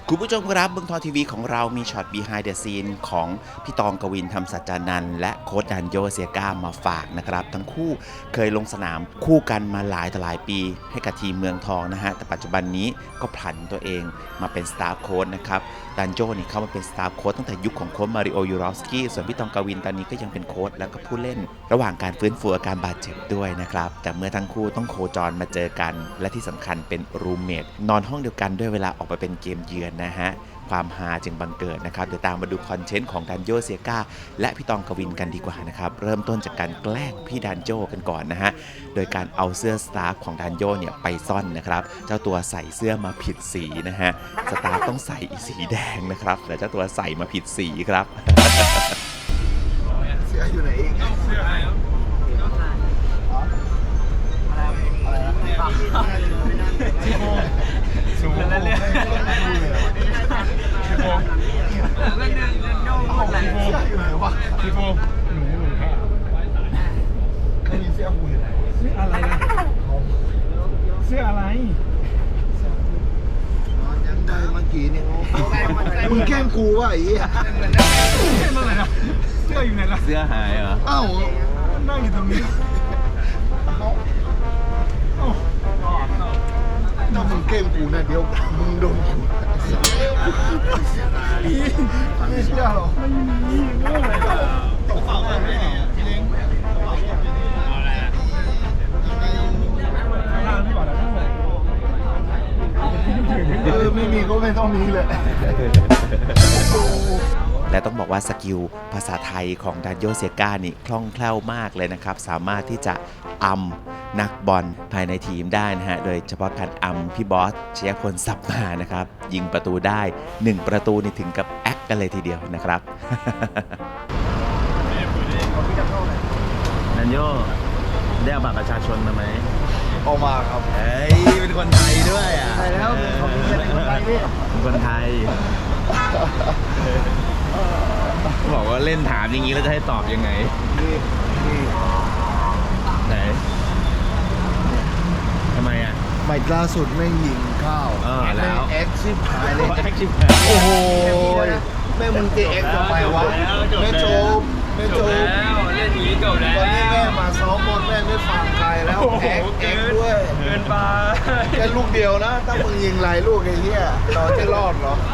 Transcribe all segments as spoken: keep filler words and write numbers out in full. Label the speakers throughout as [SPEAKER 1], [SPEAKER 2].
[SPEAKER 1] คุณผู้ชมครับเมืองทองทีวีของเรามีช็อต behind the scene ของพี่ตองกวินธรรมสัจจานันท์และโค้ชดันโยเซียก้ามาฝากนะครับทั้งคู่เคยลงสนามคู่กันมาหลายต่อหลายปีให้กับทีมเมืองทองนะฮะแต่ปัจจุบันนี้ก็ผันตัวเองมาเป็นสตาฟโค้ชนะครับดันโยนี่เข้ามาเป็นสตาฟโค้ชตั้งแต่ยุคของโค้ชมาริโอยูรอฟสกี้ส่วนพี่ตองกวินตอนนี้ก็ยังเป็นโค้ชแล้วก็ผู้เล่นระหว่างการฟื้นฟูอาการบาดเจ็บด้วยนะครับแต่เมื่อทั้งคู่ต้องโคจรมาเจอกันและที่สำคัญเป็นรูมเมทนอนห้องเดียวกันด้วยเวลาออกไปเป็นเกมเยือนนะฮะความฮาจึงบังเกิดนะครับเดี๋ยวตามมาดูคอนเทนต์ของดันโยเซียก้าและพี่ตองกวินกันดีกว่านะครับเริ่มต้นจากการแกล้งพี่ดันโยกันก่อนนะฮะโดยการเอาเสื้อสตาฟของดันโยเนี่ยไปซ่อนนะครับเจ้าตัวใส่เสื้อมาผิดสีนะฮะสตาฟต้องใส่สีแดงนะครับแต่เจ้าตัวใส่มาผิดสีครับ
[SPEAKER 2] เสื้ออยู่ไหนเองเสื้ออะไรครับที่โมสูงแล้วเนี่ยที่โมแล้วเนี่ยเนี่ยโน่หมดเลยที่โมอยู่ไหนวะที่โมหนูหนูแค่ไม่มีเสื้อหูอยู่ไหนเสื้ออะไรนะเสื้ออะไรยังได้เมื่อกี้เนี่ยมึงแกล้งกูวะไอ้เหี้ยเสื้ออะไรนะเสื้ออยู่ไหนล่ะ
[SPEAKER 1] เสื้อหายเหรอ
[SPEAKER 2] อ้าวนั่งอยู่ตรงนี้ถ้ามึงเกมกูนะเดี๋ยวมึงโดนกูไม่เชื่อหรอไม่มีตกเป่าอะไรเนี่ยพี่เล้งเอาอะไรอ่ะเออไม่มีก็ไม่ต้องมีเลย
[SPEAKER 1] และต้องบอกว่าสกิลภาษาไทยของดันโยเซียก้านี่คล่องแคล่วมากเลยนะครับสามารถที่จะอำนักบอลภายในทีมได้นะฮะโดยเฉพาะการอำพี่บอสชยพลสับมานะครับยิงประตูได้หนึ่งประตูนี่ถึงกับแอคกันเลยทีเดียวนะครับ
[SPEAKER 3] ดันโยได้เอาบัตรประชาชนมาไหม
[SPEAKER 2] ออกมาครับ
[SPEAKER 3] เฮ้ยเป็นคนไทยด้วยอ่ะ
[SPEAKER 2] ใช่แล้วผมเป็นคนไทยพี่
[SPEAKER 3] เป็นคนไทยบอกว่าเล่นถามอย่างนี้แล้วจะให้ตอบยังไง
[SPEAKER 2] นี่นี่
[SPEAKER 3] ไหนทำไมอ่ะ
[SPEAKER 2] ไม่ล่าสุดไม่ยิงข้าว
[SPEAKER 3] เออแล้ว
[SPEAKER 2] แอคชิปหายเลย
[SPEAKER 3] แอคชิป
[SPEAKER 2] โอ้โหแม่มึงจะแอคทำไมวะไม่จบไม่จบ
[SPEAKER 3] แล้วเล่นอย่างนี้จบแล้ว
[SPEAKER 2] วันนี้แม่มาซ้อมบอลแม่ไม่ฟังใครแล้วแอคแอคด้วย
[SPEAKER 3] เกินไป
[SPEAKER 2] แค่ลูกเดียวนะถ้ามึงยิงหลายลูกไอ้เหี้ยเราจะรอดเหรอ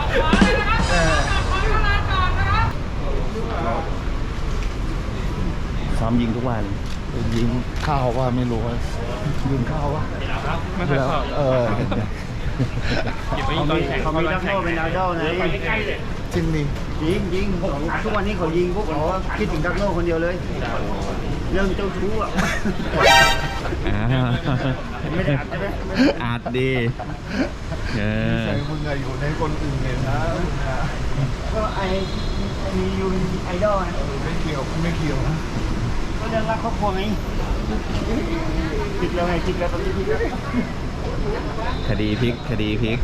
[SPEAKER 3] ซ้อมยิงทุกวัน
[SPEAKER 2] ยิงข้าวว่าไม่รู้ยิงข้าวว่า
[SPEAKER 3] ไม่เคยเข้า
[SPEAKER 2] เออ
[SPEAKER 4] เขามีเขามีดักโน่เป็นดาวเด้านะ
[SPEAKER 2] จริงนี่
[SPEAKER 4] ยิงยิงทุกวันนี้เขายิงพวกเขาคิดถึงดักโน่คนเดียวเลยเรื่องเจ้าชู้อ่ะไม่ได้อัดใช่ไหม
[SPEAKER 3] อัดดี
[SPEAKER 2] ใช่มึงอะอยู่ในคนอื่นเนี่ยนะ
[SPEAKER 4] ก็ไอมียูไอดอลนะ
[SPEAKER 2] ไม่เกี่ยวไม่เกี่ยวนะ
[SPEAKER 4] ก็เรื่องรักครอบครัวไงจิกแล้วไงจิกแล้วตอนนี้จิกแล้ว
[SPEAKER 3] คดีพลิกคดีพลิก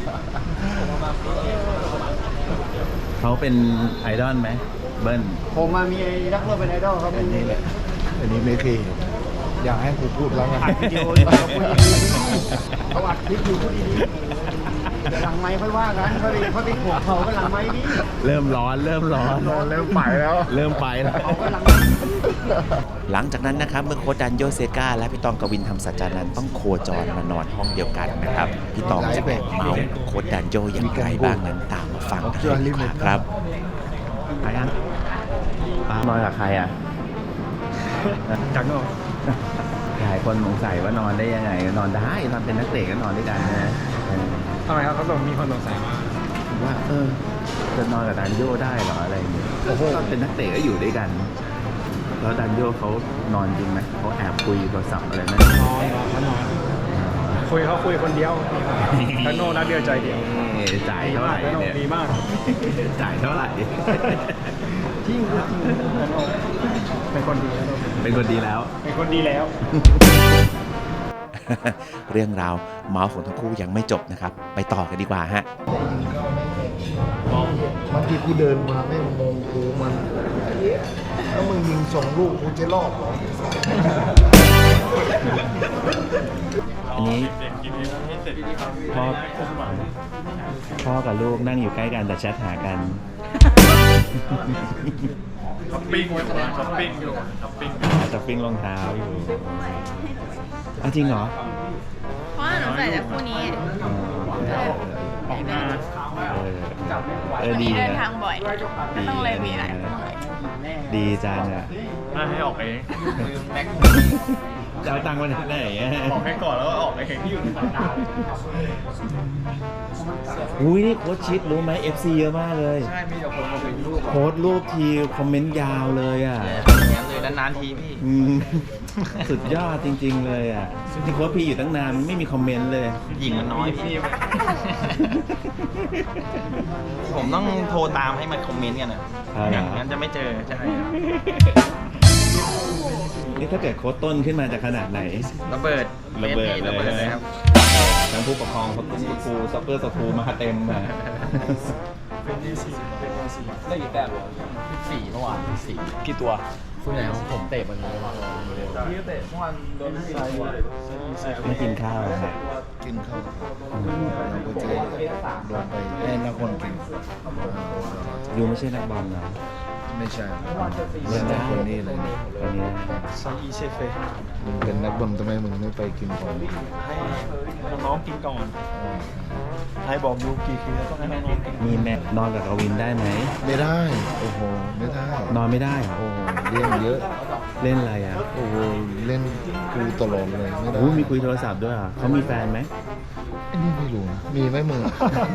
[SPEAKER 3] เขาเป็นไอดอลไหมเบิ้ล
[SPEAKER 4] ผมมามีรักโลกเป็นไอดอลครับ
[SPEAKER 2] อันนี้แหละอันนี้ไม่เคยอยากให้กูพูดแล้วไง
[SPEAKER 4] อัดวิดีโออยู่เขาพูดดีๆเขาอัดคลิปอยู่พูดดีๆหลังไม้ค่อยว่ากันเขาไปเขาไปขวบเขาก็หลังไม้ดิ
[SPEAKER 3] เริ่มร้อนเริ่มร้อน
[SPEAKER 2] เริ่มไปแล้ว
[SPEAKER 3] เริ่มไปแล้ว
[SPEAKER 4] เขาก็หลัง
[SPEAKER 1] หลังจากนั้นนะครับเมื่อโค้ชดันโยเซียก้าและพี่ตองกวินธรรมสัจจานันท์ต้องโคจรมานอนห้องเดียวกันนะครับพี่ตองจะแอบเมาส์โค้ชดันโยอย่างไรบ้างนั้นตามมาฟังกันเลยครับ
[SPEAKER 3] ใครอ่ะป้านอนกับใครอ่ะ
[SPEAKER 4] จังเนาะ
[SPEAKER 3] หลายคนสงสัยว่านอนได้ยังไงนอนได้ตอนเป็นนักเตะก็นอนด้วยกันนะ
[SPEAKER 4] ทำไมครับเขาต้องมีคนสงสัย
[SPEAKER 3] ว่าเออจะนอนกับดันโยได้เหรออะไรอย่างเงี้ยตอนเป็นนักเตะก็อยู่ด้วยกันแล้วดันโยเขานอนจริงไหมเขาแอบคุยโทรศัพท์อะไรไหม
[SPEAKER 4] นอนเขานอนคุยเขาคุยคนเดียวดันโน่นักเดียวใจเดียว
[SPEAKER 3] จ่ายเท่าไหร่เนี่ย
[SPEAKER 4] ดีมาก
[SPEAKER 3] จ่ายเท่าไหร่
[SPEAKER 4] จริงเป็นคนดีแล้ว
[SPEAKER 3] เป็นคนดีแล้ว
[SPEAKER 4] เป็นคนดีแล้ว
[SPEAKER 1] เรื่องราวเมาส์ของทั้งคู่ยังไม่จบนะครับไปต่อกันดีกว่าฮะ
[SPEAKER 2] บางทีกูเดินมาไม่มองกูมันแล้วมึงยิงสองลูกกูจะรอดหรอ
[SPEAKER 3] อันนี้พ่อพ่อกับลูกนั่งอยู่ใกล้กันแต่แชทหากัน
[SPEAKER 2] ช้อปปิ้งอยู่ช้อปปิ้งอยู่ช้อปปิ้ง
[SPEAKER 3] จะปิ้งรองเท้าอยู่เอาจริงเหรอ
[SPEAKER 5] เพราะว่าหนูใส่แต่คู่นี้
[SPEAKER 3] อ๋อ
[SPEAKER 2] ออกงาน
[SPEAKER 3] เออเออ
[SPEAKER 5] วัน
[SPEAKER 3] ดี
[SPEAKER 5] นี้เดิน
[SPEAKER 3] นะ
[SPEAKER 5] ทางบ่อยก็ต้องเลยมีหลายคู่
[SPEAKER 3] ดีจังอ่ะ
[SPEAKER 2] น่าให้ออกเอง
[SPEAKER 3] จะเอาตังค์มาจากไหนอะ
[SPEAKER 2] ออกให้ก่อนแล้วก็ออกเองที่อยู่ในสายตา
[SPEAKER 3] อุ้ยนี่โค้ชชิดรู้ไหม เอฟ ซี เยอะมากเลย
[SPEAKER 2] ใช่มีแต่คนมาเป็นรูป
[SPEAKER 3] โค้ชรูปทีคอมเมนต์ยาวเลยอ่ะ
[SPEAKER 2] เลยนานๆทีพี่
[SPEAKER 3] อืมสุดยอดจริงๆเลยอ่ะที่โค้ชพีอยู่ตั้งนานไม่มีคอมเมนต์เลย
[SPEAKER 6] หญิงมันน้อยพี่ ผมต้องโทรตามให้มันคอมเมนต์กันอ่ะ
[SPEAKER 3] อ๋อเหรอ
[SPEAKER 6] อย่างนั้นจะไม่เจอ ใช่
[SPEAKER 3] นี่ถ้าเกิดโค้ชต้นขึ้นมาจะขนาดไหน
[SPEAKER 6] ระเบิด
[SPEAKER 3] ระเบิด
[SPEAKER 6] ระเบิดเลยครับ
[SPEAKER 3] ทั้งผู้ปกครองทั้งครูซัพเปอร์สครูมาเต็มอ่ะ
[SPEAKER 7] ได้กี่แต้มสี่เมื่อวานสี่กี่ตัวส่วนใหญ่ของผมเตะมันพี่เตะเมื่อวานโดนใส่
[SPEAKER 3] ไม่กินข้าวครับ
[SPEAKER 4] กินข้าวเราก็จะโดนไปให้นักบอลกิน
[SPEAKER 3] ยูไม่ใช่นักบอลนะ
[SPEAKER 4] ไม่ใช่
[SPEAKER 3] เล่นได้
[SPEAKER 4] คนนี้เลย
[SPEAKER 3] คนนี้
[SPEAKER 6] ซาอีเซเฟ
[SPEAKER 4] มึงเป็นนักบอลทำไมมึงไม่ไปกินก่อน
[SPEAKER 6] ให้น้องๆกินก่อน ให้บอกดูกี่คืนต้องให้น้องๆกิน
[SPEAKER 3] มีแม่นอนกับกวินได้ไหม
[SPEAKER 4] ไม่ได้โอ้โหไม่ได้
[SPEAKER 3] นอนไม่ได้เหรอ
[SPEAKER 4] โอ้โหเล่นเยอะ
[SPEAKER 3] เล่นอะไรอ่ะ
[SPEAKER 4] โอ้โหเล่นกูตลอดเลยไม่ได้
[SPEAKER 3] อู้มีคุยโทรศัพท์ด้วยเหรอ่ะเขามีแฟนไหม
[SPEAKER 4] ไอ้นี่ไม่รู้นะมีไหมมึงอะ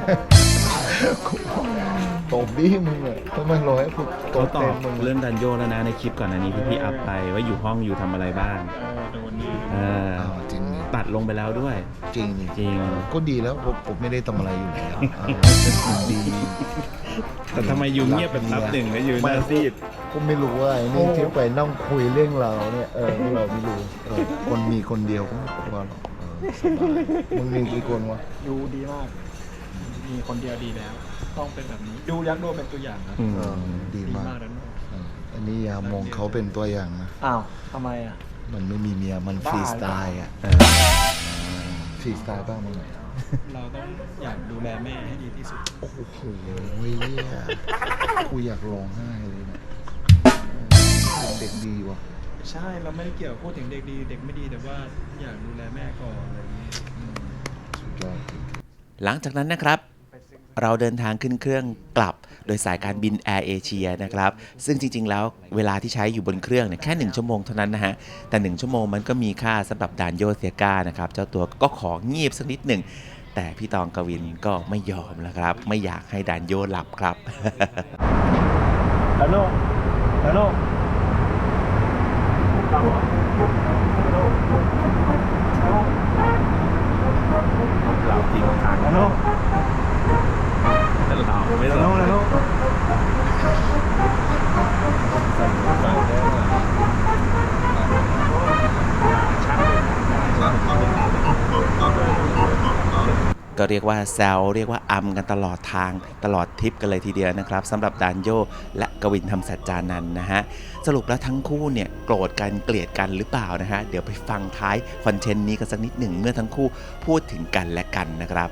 [SPEAKER 4] ตบดิมึงอะทำไมรอให้กูต
[SPEAKER 3] เขา
[SPEAKER 4] บ
[SPEAKER 3] ตอ
[SPEAKER 4] เต็
[SPEAKER 3] บ
[SPEAKER 4] มมึง
[SPEAKER 3] เรื่องดันโยแล้วนะในคลิปก่อนอันนี้ที่พี่อัพไปว่าอยู่ห้องอยู่ทำอะไรบ้าง
[SPEAKER 2] เออโดนนี่
[SPEAKER 3] เออ
[SPEAKER 4] อ้าวจริงนี่
[SPEAKER 3] ตัดลงไปแล้วด้วย
[SPEAKER 4] จริงนี่
[SPEAKER 3] จริง
[SPEAKER 4] ก็ดีแล้วผมผมไม่ได้ทำอะไรอยู่แล้วอ่าดี
[SPEAKER 3] แต่ทำไมยูเงียบแบบนับหนึ่งแล้วยูหน้าซีด
[SPEAKER 4] ก็ไม่รู้ว่าไอ้นี่ที่ไปนั่งคุยเรื่องเราเนี่ยเออเราไม่รู้เออคนมีคนเดียวก็ไม่กลัวหรอกเออสบายมึงมีกี่คนวะ
[SPEAKER 2] ดูดีมาก มีคนเดียวดีแล้ว ต้องเป็นแบบนี้ ดูยักษ์ดูเป็นตัวอย่างครับ
[SPEAKER 3] อืม
[SPEAKER 4] เออดี
[SPEAKER 2] ดี
[SPEAKER 4] มาก
[SPEAKER 2] มากนั้น
[SPEAKER 4] เอออันนี้อย่ามองเขาเป็นตัวอย่างนะ
[SPEAKER 6] อ้าวทำไมอ่ะ
[SPEAKER 4] มันไม่มีเมียมันฟรีสไตล์อ่ะ
[SPEAKER 3] เออ
[SPEAKER 4] ฟรีสไตล์บ้างมั้งไหม
[SPEAKER 2] เราต้องอยากดูแลแม่ให้ดีที่สุด
[SPEAKER 4] โอ้โหเฮียกูอยากร้องไห้เลยนะเป็นเด็กดีว่ะ
[SPEAKER 2] ใช่ เราไม่ได้เกี่ยวพูดถึงเด็กดี เด็กไม่ดีแต่ว่าอยากดูแลแม่ก่อนอะไรอย่างนี้อืม
[SPEAKER 4] สุดยอด
[SPEAKER 1] หลังจากนั้นนะครับ เราเดินทางขึ้นเครื่องกลับโดยสายการบินแอร์เอเชียนะครับ ซึ่งจริงๆแล้วเวลาที่ใช้อยู่บนเครื่องเนี่ยแค่หนึ่งชั่วโมงเท่านั้นนะฮะ แต่หนึ่งชั่วโมงมันก็มีค่าสำหรับดานโยเซียกานะครับ เจ้าตัวก็ของเงียบสักนิดหนึ่ง แต่พี่ตองกวินก็ไม่ยอมนะครับ ไม่อยากให้ดานโยหลับครับ
[SPEAKER 2] ฮัลโหลฮัลโหล
[SPEAKER 3] เราทิ้งทาง
[SPEAKER 2] ฮัลโหล
[SPEAKER 3] แต่เราไม่
[SPEAKER 2] ฮัล
[SPEAKER 3] ต้
[SPEAKER 2] โหล
[SPEAKER 3] อง
[SPEAKER 2] ฮัลโหล
[SPEAKER 1] ก็เรียกว่าแซวเรียกว่าอำกันตลอดทางตลอดทริปกันเลยทีเดียวนะครับสำหรับดานโยและกวินธรรมสัจจานันท์นะฮะสรุปแล้วทั้งคู่เนี่ยโกรธกันเกลียดกันหรือเปล่านะฮะเดี๋ยวไปฟังท้ายคอนเทนต์นี้กันสักนิดหนึ่งเมื่อทั้งคู่พูดถึงกันและกันนะครับ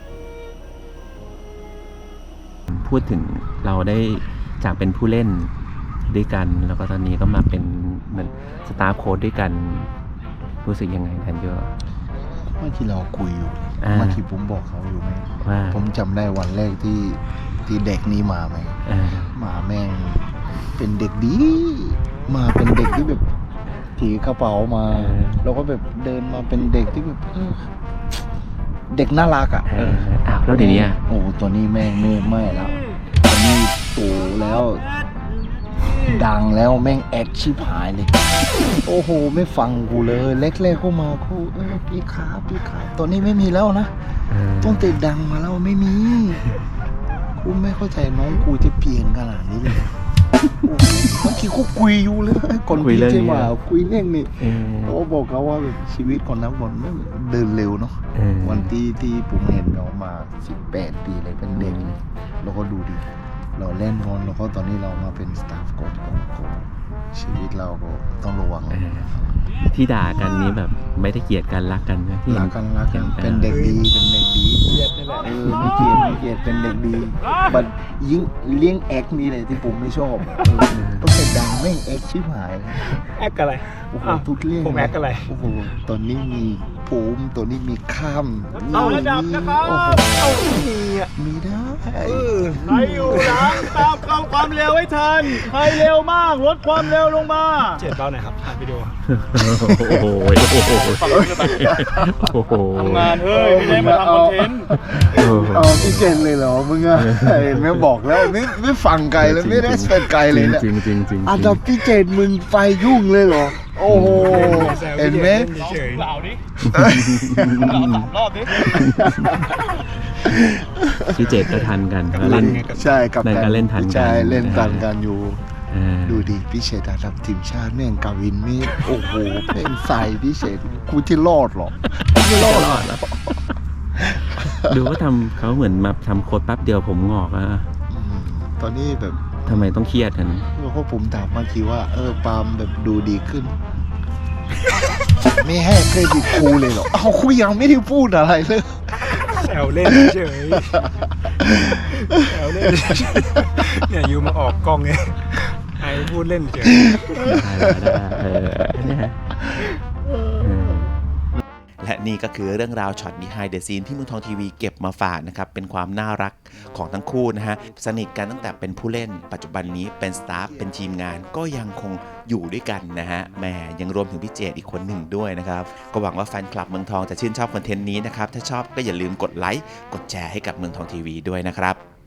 [SPEAKER 3] พูดถึงเราได้จากเป็นผู้เล่นด้วยกัน แล้วก็ตอนนี้ก็มาเป็นเหมือนสตาฟโค้ชด้วยกัน รู้สึกยังไงดันโย
[SPEAKER 4] เมื่อที่เราคุยอยู่
[SPEAKER 3] อ่า
[SPEAKER 4] เมื่อที่ผมบอกเขาอยู่ไหม
[SPEAKER 3] ว่า
[SPEAKER 4] ผมจำได้วันแรกที่ที่เด็กนี้มาไหม
[SPEAKER 3] เออ
[SPEAKER 4] มาแม่งเป็นเด็กดี มาเป็นเด็กที่แบบถือกระเป๋ามา แล้วก็แบบเดินมาเป็นเด็กที่แบบเออเด็กน่ารักอ่ะ
[SPEAKER 3] เอออ้าวแล้วเดี๋ยวนี้อะ
[SPEAKER 4] โอ้ตัวนี้แม่งไม่ไม่แล้วตัวนี้โตแล้ว ดังแล้วแม่งแอคชิบหายเลย โอ้โห ไม่ฟังกูเลย เล็กๆก็มากูเออพี่ครับพี่ครับตอนนี้ไม่มีแล้วนะ
[SPEAKER 3] เออ
[SPEAKER 4] ต้องติดดังมาแล้วไม่มีกูไม่เข้าใจน้องกูจะเปลี่ยนขนาดนี้เลยโอ้โหบางทีกูคุยอยู่เลยก่อน
[SPEAKER 3] คุยเรื่อง
[SPEAKER 4] พี่
[SPEAKER 3] นี้
[SPEAKER 4] จะมา
[SPEAKER 3] เหรอ
[SPEAKER 4] คุยเรื่องนี้
[SPEAKER 3] เออ
[SPEAKER 4] เขาบอกเขาว่าแบบชีวิตคนนักบอลไม่เดินเร็วเนาะ
[SPEAKER 3] เออ
[SPEAKER 4] วันที่ที่ผมเห็นเขามาสิบแปดปีเลยเป็นเด็กเลยแล้วก็ดูดิเราเล่นบอลแล้วก็ตอนนี้เรามาเป็นสตาฟโค้ชของเขาชีวิตเราก็ต้องระวัง
[SPEAKER 3] เออที่ด่ากันนี้แบบไม่ได้เกลียดกันรักกันนะที่
[SPEAKER 4] รักกันรักกัน
[SPEAKER 3] ห็
[SPEAKER 4] เป็นเด็กดีเป็นเด็กดี
[SPEAKER 6] เกียดนี่แหละ
[SPEAKER 4] เออไม่เกลียดไม่เกลียดเป็นเด็กดีบัดยิ่งเลี้ยงแอคนี่เลยที่ผมไม่ชอบเออต้องเป็นดังแม่งแอคชิบหายเลย
[SPEAKER 6] แอคอะไร
[SPEAKER 4] โอ้โห
[SPEAKER 6] อ้าว
[SPEAKER 4] ทุกเรื่อง
[SPEAKER 6] ผมแอคอะไร
[SPEAKER 4] โอ้โหตอนนี้มีผมตัวนี้มีข้าม
[SPEAKER 6] เอาระดับนะครับ
[SPEAKER 4] โอ้โห
[SPEAKER 6] เอามีอ่ะ
[SPEAKER 4] มีได้
[SPEAKER 6] ใครอยู่หลังตามเข้าความเร็วให้ทันใครเร็วมากลดความเร็วลงมาเจ็ดเบาหน่อยครับถ่ายวิดีโอ
[SPEAKER 3] โอ้โหโอ้โหโอ้โห
[SPEAKER 6] ทำงานเฮ้ยไม่ได้มาทำคอนเทนต์
[SPEAKER 4] เอาพี่เจนเลยเหรอมึงอะเห็นไหมบอกแล้วไม่ไม่ฟังไกลแล้วไม่ได้สเปนไกลเลยเนี่ย
[SPEAKER 3] จริงจริงจริง
[SPEAKER 4] อันดับพี่เจนมึงไฟยุ่งเลยเหรอโอ้โหเห็นไหม
[SPEAKER 6] เฉยเหล่าดิเหล่าสามรอบดิ
[SPEAKER 3] พี่เจตก็ทันกันแล้วเล่น
[SPEAKER 4] ใช่กับ
[SPEAKER 3] เล่นกันเล่นทันกัน
[SPEAKER 4] ใช่เล่นทันกันอยู่
[SPEAKER 3] อ่า
[SPEAKER 4] ดูดิพี่เชษอันดับทีมชาติแม่งกาวินนี่โอ้โหเป็นใส่พี่เชษกูที่รอดหรอกูไม่รอดหรอก
[SPEAKER 3] ดูว่าทำเขาเหมือนมาทำโค้ดแป๊บเดียวผมงอกอะ
[SPEAKER 4] อืมตอนนี้แบบ
[SPEAKER 3] ทำไมต้องเครียดกัน
[SPEAKER 4] เพราะผมถามเมื่อกี้ว่าเออปาล์มแบบดูดีขึ้น ไม่ให้เครดิตครูเลยเหรอเอาครูยังไม่ได้พูดอะไรเลย
[SPEAKER 6] แซวเล่นเฉยแซวเล่นเฉยเนี่ยยูมาออกกล้องไงไอ้พูดเล่นเฉย
[SPEAKER 3] ได้ได้เออเนี่ยฮะเออ
[SPEAKER 1] และนี่ก็คือเรื่องราวช็อต behind the scene ที่เมืองทองทีวีเก็บมาฝากนะครับเป็นความน่ารักของทั้งคู่นะฮะสนิทกันตั้งแต่เป็นผู้เล่นปัจจุบันนี้เป็นสตาฟเป็นทีมงานก็ยังคงอยู่ด้วยกันนะฮะแหมยังรวมถึงพี่เจตอีกคนหนึ่งด้วยนะครับก็หวังว่าแฟนคลับเมืองทองจะชื่นชอบคอนเทนต์นี้นะครับถ้าชอบก็อย่าลืมกดไลค์กดแชร์ให้กับเมืองทองทีวีด้วยนะครับ